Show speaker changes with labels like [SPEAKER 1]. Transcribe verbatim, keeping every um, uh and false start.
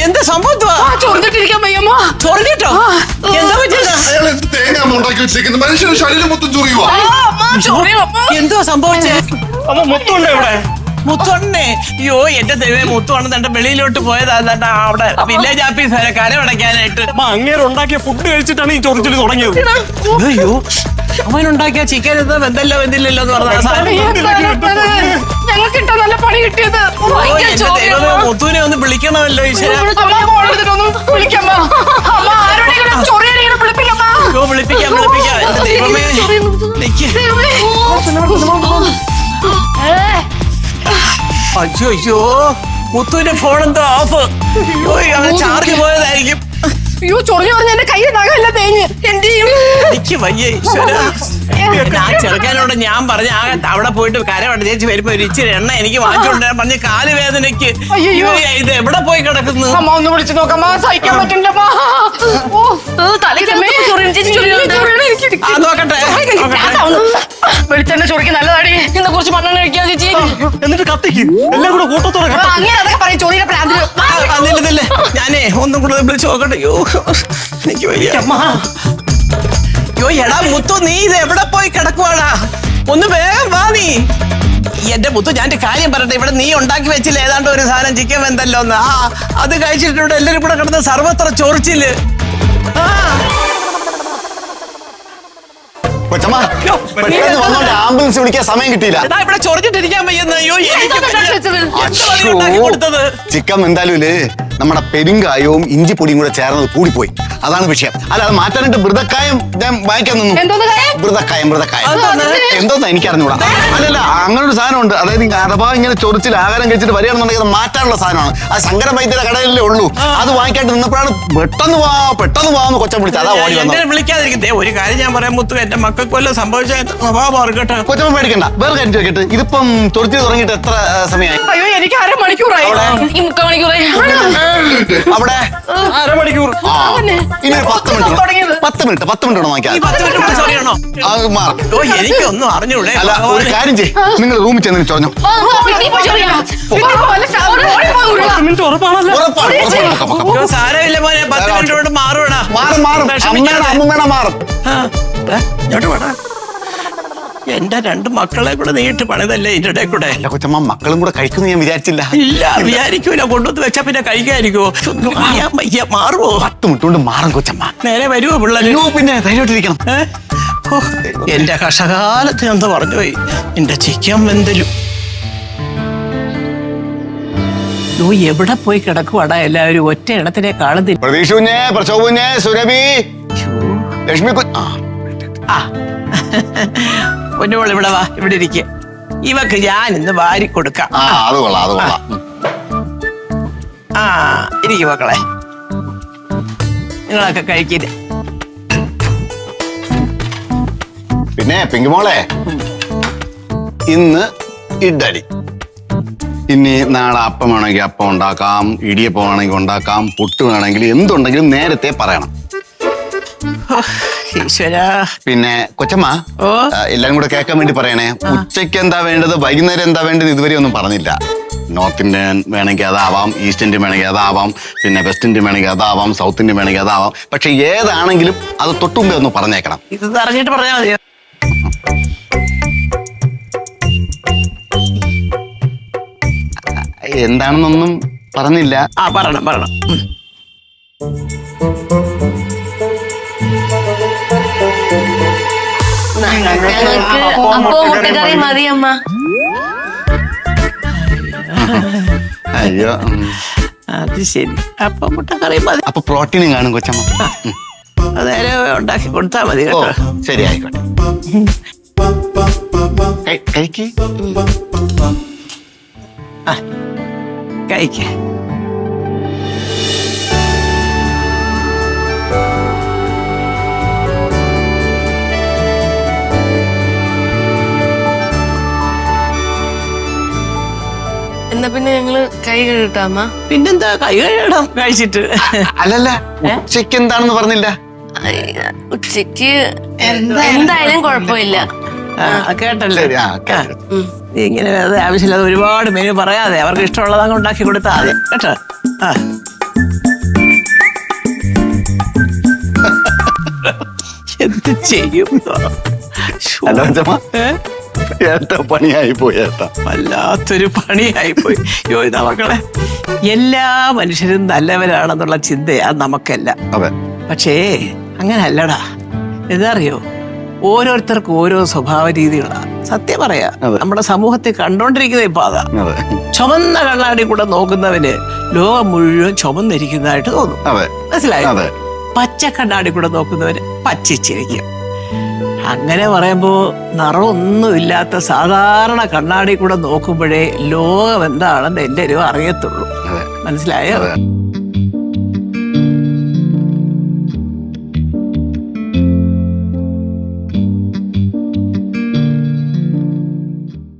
[SPEAKER 1] എന്താ സംഭവത്തുവാ?
[SPEAKER 2] ചൊറിഞ്ഞിട്ടിരിക്കാൻ വയ്യമ്മ.
[SPEAKER 1] ചൊറിഞ്ഞിട്ടോ? എന്താ പറ്റിയത്?
[SPEAKER 3] തേങ്ങ ഉണ്ടാക്കി വെച്ചിരിക്കുന്നത് മനുഷ്യന് ശരീരം മൊത്തം ചൊറിയുവാ.
[SPEAKER 1] എന്തുവാ സംഭവിച്ചേ?
[SPEAKER 4] അമ്മ മുത്തുണ്ടോ ഇവിടെ?
[SPEAKER 1] മുത്തോണ്ണേ, അയ്യോ എന്റെ ദൈവമേ, മുത്തോണ്ണം തന്റെ വെളിയിലോട്ട് പോയതാ. തന്റെ അവിടെ വില്ലേജ് ഓഫീസറെ കരമടയ്ക്കാനായിട്ട്.
[SPEAKER 4] അമ്മ അങ്ങേര് ഉണ്ടാക്കിയ ഫുഡ് കഴിച്ചിട്ടാണ് ഈ ചൊറിച്ചിൽ തുടങ്ങിയത്.
[SPEAKER 1] അയ്യോ, അവനുണ്ടാക്കിയ ചിക്കൻ എന്താ വെന്തല്ലോ വെന്തില്ലല്ലോ എന്ന് പറഞ്ഞ
[SPEAKER 2] ഞങ്ങൾക്ക് ഇട്ട നല്ല പണി കിട്ടിയത്.
[SPEAKER 1] മുത്തുവിനെ ഒന്ന് വിളിക്കണമല്ലോ ഈശ്വര. വിളിപ്പിക്കാം വിളിപ്പിക്കാം. എന്റെ ദൈവമേ, അയ്യോ അയ്യോ, മുത്തുവിന്റെ ഫോൺ എന്തോ ഓഫ്. അയ്യോ, ചാർജ് പോയതായിരിക്കും.
[SPEAKER 2] അയ്യോ, ചൊറിഞ്ഞു പറഞ്ഞ എന്റെ കയ്യിൽ നഖമില്ല തേഞ്ഞ്. എന്ത് ചെയ്യും?
[SPEAKER 1] എനിക്ക് വയ്യ ഈശ്വര. ആ ചെറുക്കാനോട് ഞാൻ പറഞ്ഞ ആ അവിടെ പോയിട്ട് കരവട ചേച്ചി വരുമ്പോ ഒരു ഇച്ചിരി എണ്ണ എനിക്ക് വാങ്ങിച്ചോണ്ട് പറഞ്ഞ കാല് വേദനയ്ക്ക്. അയ്യോ, ഇത് എവിടെ പോയി കിടക്കുന്നു?
[SPEAKER 2] അമ്മ ഒന്ന് വിളിച്ചു നോക്കമ്മ, സഹിക്കാൻ പറ്റില്ല.
[SPEAKER 1] നോക്കട്ടെ.
[SPEAKER 2] വെളിച്ചെണ്ണ ചൊറിക്ക് നല്ലതാടി. ഇതിനെ കുറിച്ച് മണ്ണെണ്ണ കഴിക്കാൻ ചേച്ചി.
[SPEAKER 4] എന്നിട്ട് കത്തിക്ക് എല്ലാം കൂടെ കൂട്ടത്തോടെ.
[SPEAKER 2] അങ്ങനെ അതൊക്കെ പറയും ചൊറിയുടെ പ്രാന്തില്.
[SPEAKER 1] അതില്ലേ ഞാനേ ഒന്നും കൂടെ വിളിച്ചു നോക്കട്ടെ. അയ്യോ എനിക്ക് വയ്യ. അയ്യോ എടാ മുത്തു, നീ ഇത് എവിടെ പോയി കിടക്കുവാടാ? ഒന്ന് വേഗം വാ നീ. എന്റെ മുത്തു, ഞാൻ കാര്യം പറയട്ടെ. ഇവിടെ നീ ഉണ്ടാക്കി വെച്ചില്ല ഏതാണ്ട് ഒരു സാധനം ചിക്കൻ വെന്തല്ലോ ഒന്ന്. ആ അത് കഴിച്ചിട്ട് ഇവിടെ എല്ലാരും കൂടെ കിടന്ന് സർവത്ര ചൊറിച്ചില്.
[SPEAKER 3] ആംബുലൻസ് വിളിക്കാൻ സമയം കിട്ടിയില്ല.
[SPEAKER 1] ഇവിടെ ചൊറിഞ്ഞിട്ടിരിക്കാൻ വയ്യെന്ന്. അയ്യോ, കൊടുത്തത്
[SPEAKER 3] ചിക്കൻ എന്തായാലും നമ്മുടെ പെരുങ്കായവും ഇഞ്ചിപ്പൊടിയും കൂടെ ചേർന്നത് കൂടിപ്പോയി. അതാണ് വിഷയം. അല്ല, അത് മാറ്റാനായിട്ട് മൃതക്കായം ഞാൻ വാങ്ങിക്കാൻ നിന്നു. മൃതക്കായം മൃതക്കായം എന്തോന്നാ എനിക്ക് അറിഞ്ഞൂടാ. അല്ലല്ല, അങ്ങനെ ഒരു സാധനമുണ്ട്. അതായത് അഥവാ ഇങ്ങനെ ചൊറിച്ചിൽ ആഹാരം കഴിച്ചിട്ട് വരികയാണെന്നുണ്ടെങ്കിൽ അത് മാറ്റാനുള്ള സാധനമാണ്. അത് ശങ്കര വൈദ്യരുടെ കടയിലേ ഉള്ളൂ. അത് വാങ്ങിക്കാണ്ട് നിന്നപ്പോഴാണ് പെട്ടെന്ന് വാ പെട്ടെന്ന് വാന്ന് കൊച്ചം വിളിച്ചത്. അതാ ഓടി വന്നത്.
[SPEAKER 1] വിളിക്കാതിരിക്കട്ടെ. ഒരു കാര്യം ഞാൻ പറയാൻ മുത്തു, എന്റെ മക്കൾക്ക് വല്ലതും സംഭവിച്ച സ്വഭാവം കേട്ടോ.
[SPEAKER 3] കൊച്ചമ്മ പേടിക്കണ്ട. വേറെ കാര്യം ചോദിക്കട്ടെ, ഇതിപ്പം ചൊറിച്ചിൽ തുടങ്ങിയിട്ട് എത്ര സമയമായി?
[SPEAKER 2] അയ്യോ, എനിക്ക് അരമണിക്കൂറായി. മുക്കാൽ മണിക്കൂറായി.
[SPEAKER 3] അവിടെ
[SPEAKER 4] അരമണിക്കൂർ.
[SPEAKER 3] ഇനി ഒരു പത്ത് മിനിറ്റ് പത്ത് മിനിറ്റ് പത്ത് മിനിറ്റ് വേണം വാങ്ങിക്കാൻ.
[SPEAKER 1] എനിക്കൊന്നും അറിഞ്ഞൂടെ.
[SPEAKER 3] അല്ല, ഒരു കാര്യം ചെയ്യ്, നിങ്ങൾ റൂമിൽ ചെന്ന് ചൊറഞ്ഞോ.
[SPEAKER 1] സാരമില്ല മോനെ, പത്ത് മിനിറ്റ് കൊണ്ട് മാറൂടാ.
[SPEAKER 3] മാറും മാറും അമ്മ മാറും.
[SPEAKER 1] എന്റെ രണ്ട് മക്കളെ കൂടെ നീട്ട് പണിതല്ലേ ഇതിന്റെ ഇടയിൽ കൂടെ.
[SPEAKER 3] അല്ല കൊച്ചമ്മ, മക്കളും കൂടെ കഴിക്കുന്നു ഞാൻ വിചാരിച്ചില്ല.
[SPEAKER 1] ഇല്ല, വിചാരിക്കൂല. കൊണ്ടുവന്ന് വെച്ചാ പിന്നെ കഴിക്കാതിരിക്കുവോ? വയ്യ, മാറുവോ?
[SPEAKER 3] പത്ത് മിനിറ്റ് കൊണ്ട് മാറും കൊച്ചമ്മ.
[SPEAKER 1] നേരെ വരുവോ പിള്ളേർ?
[SPEAKER 3] പിന്നെ ധൈര്യമായിട്ടിരിക്കണം.
[SPEAKER 1] എന്റെ കഷകാലത്ത് എന്ന് പറഞ്ഞു പോയി എന്റെ ചിക്കൻ വെന്തലും. ഓ, എവിടെ പോയി കിടക്കുവാടാ എല്ലാവരും? ഒറ്റ ഇടത്തിനെ കാണുന്നില്ല.
[SPEAKER 3] പ്രതീക്ഷുഞ്ഞേ, പ്രശോഭുഞ്ഞേ, സുരഭി, ലക്ഷ്മി.
[SPEAKER 1] ആ പൊന്നുമോൾ ഇവിടെ വാ, ഇവിടെ ഇരിക്കുക. ഇവക്ക് ഞാൻ ഇന്ന് വാരി കൊടുക്കാം.
[SPEAKER 3] അത് കൊള്ളാം, അത് കൊള്ളാം.
[SPEAKER 1] ആ ഇരിക്കും മക്കളെ, നിങ്ങളൊക്കെ കഴിക്കില്ല.
[SPEAKER 3] പിന്നെ പിങ്കുമോളെ, ഇന്ന് ഇഡ്ഡലി. ഇനി നാളെ അപ്പം വേണമെങ്കിൽ അപ്പം ഉണ്ടാക്കാം, ഇടിയപ്പം വേണമെങ്കിൽ ഉണ്ടാക്കാം, പുട്ട് വേണമെങ്കിൽ എന്തുണ്ടെങ്കിലും നേരത്തെ പറയണം.
[SPEAKER 1] ഈശ്വര.
[SPEAKER 3] പിന്നെ കൊച്ചമ്മ, എല്ലാം കൂടെ കേൾക്കാൻ വേണ്ടി പറയണേ. ഉച്ചയ്ക്ക് എന്താ വേണ്ടത്, വൈകുന്നേരം എന്താ വേണ്ടത് ഇതുവരെ ഒന്നും പറഞ്ഞില്ല. നോർത്ത് ഇന്ത്യൻ വേണമെങ്കിൽ അതാവാം, ഈസ്റ്റ് ഇന്ത്യൻ വേണമെങ്കിൽ അതാവാം, പിന്നെ വെസ്റ്റ് ഇന്ത്യൻ വേണമെങ്കിൽ അതാവാം, സൗത്ത് ഇന്ത്യൻ വേണമെങ്കിൽ അതാവാം. പക്ഷെ ഏതാണെങ്കിലും അത് തൊട്ടുമുമ്പേ ഒന്ന് പറഞ്ഞേക്കണം.
[SPEAKER 1] ഇത് അറിഞ്ഞിട്ട് പറഞ്ഞാൽ മതിയോ?
[SPEAKER 3] എന്താണെന്നൊന്നും പറഞ്ഞില്ല.
[SPEAKER 1] ആ പറയണം പറയണം.
[SPEAKER 2] മുട്ടക്കറി മതി അമ്മ.
[SPEAKER 3] അയ്യോ,
[SPEAKER 1] അത് ശരി. അപ്പൊ മുട്ടക്കറി മതി.
[SPEAKER 3] അപ്പൊ പ്രോട്ടീനും കാണും കൊച്ചമ്മ.
[SPEAKER 1] നേരെ ഉണ്ടാക്കി കൊടുത്താ മതി കേട്ടോ.
[SPEAKER 3] ശരി, ആയിക്കോട്ടെ. കഴിക്ക്
[SPEAKER 1] കഴിക്ക.
[SPEAKER 2] എന്നാ പിന്നെ ഞങ്ങള് കൈ കഴുകിട്ടാമ്മ.
[SPEAKER 1] പിന്നെന്താ, കൈ കഴുകണം കഴിച്ചിട്ട്.
[SPEAKER 3] അല്ലല്ല, ഉച്ചയ്ക്ക് എന്താണെന്ന് പറഞ്ഞില്ല.
[SPEAKER 2] ഉച്ചക്ക് എന്തായാലും കുഴപ്പമില്ല.
[SPEAKER 1] കേട്ടല്ലേ?
[SPEAKER 3] ശരി,
[SPEAKER 1] ഇങ്ങനെ ആവശ്യമില്ലാതെ ഒരുപാട് മെനു പറയാതെ അവർക്ക് ഇഷ്ടമുള്ളത് അങ്ങ് ഉണ്ടാക്കി കൊടുത്താൽ മതി കേട്ടോ. ആ എന്ത് ചെയ്യും? ശ്ശോ.
[SPEAKER 3] അല്ല അച്ഛമ്മ
[SPEAKER 1] ഏ?
[SPEAKER 3] ഏട്ടാ പണിയായി പോയി ഏട്ടാ.
[SPEAKER 1] വല്ലാത്തൊരു പണിയായി പോയി. യോ ഇതാ മക്കളെ, എല്ലാ മനുഷ്യരും നല്ലവരാണെന്നുള്ള ചിന്തയാ നമുക്കല്ല.
[SPEAKER 3] അതെ
[SPEAKER 1] പക്ഷേ അങ്ങനെ അല്ലടാ. എന്താ അറിയോ, ഓരോരുത്തർക്കും ഓരോ സ്വഭാവ രീതികളാ. സത്യം പറയാ,
[SPEAKER 3] അതെ.
[SPEAKER 1] നമ്മുടെ സമൂഹത്തിൽ കണ്ടോണ്ടിരിക്കുന്ന ഇപ്പൊ അതാ.
[SPEAKER 3] അതെ
[SPEAKER 1] ചുമന്ന കണ്ണാടി കൂടെ നോക്കുന്നവന് ലോകം മുഴുവൻ ചുമന്നിരിക്കുന്നതായിട്ട് തോന്നും.
[SPEAKER 3] അതെ
[SPEAKER 1] മനസ്സിലായോ?
[SPEAKER 3] അതെ
[SPEAKER 1] പച്ച കണ്ണാടി കൂടെ നോക്കുന്നവന് പച്ചിച്ചിരിക്കും. അങ്ങനെ പറയുമ്പോ നിറമൊന്നുമില്ലാത്ത സാധാരണ കണ്ണാടി കൂടെ നോക്കുമ്പോഴേ ലോകം എന്താണെന്ന് എല്ലാവരും അറിയത്തുള്ളൂ.
[SPEAKER 3] അതെ
[SPEAKER 1] മനസ്സിലായോ?
[SPEAKER 3] അതെ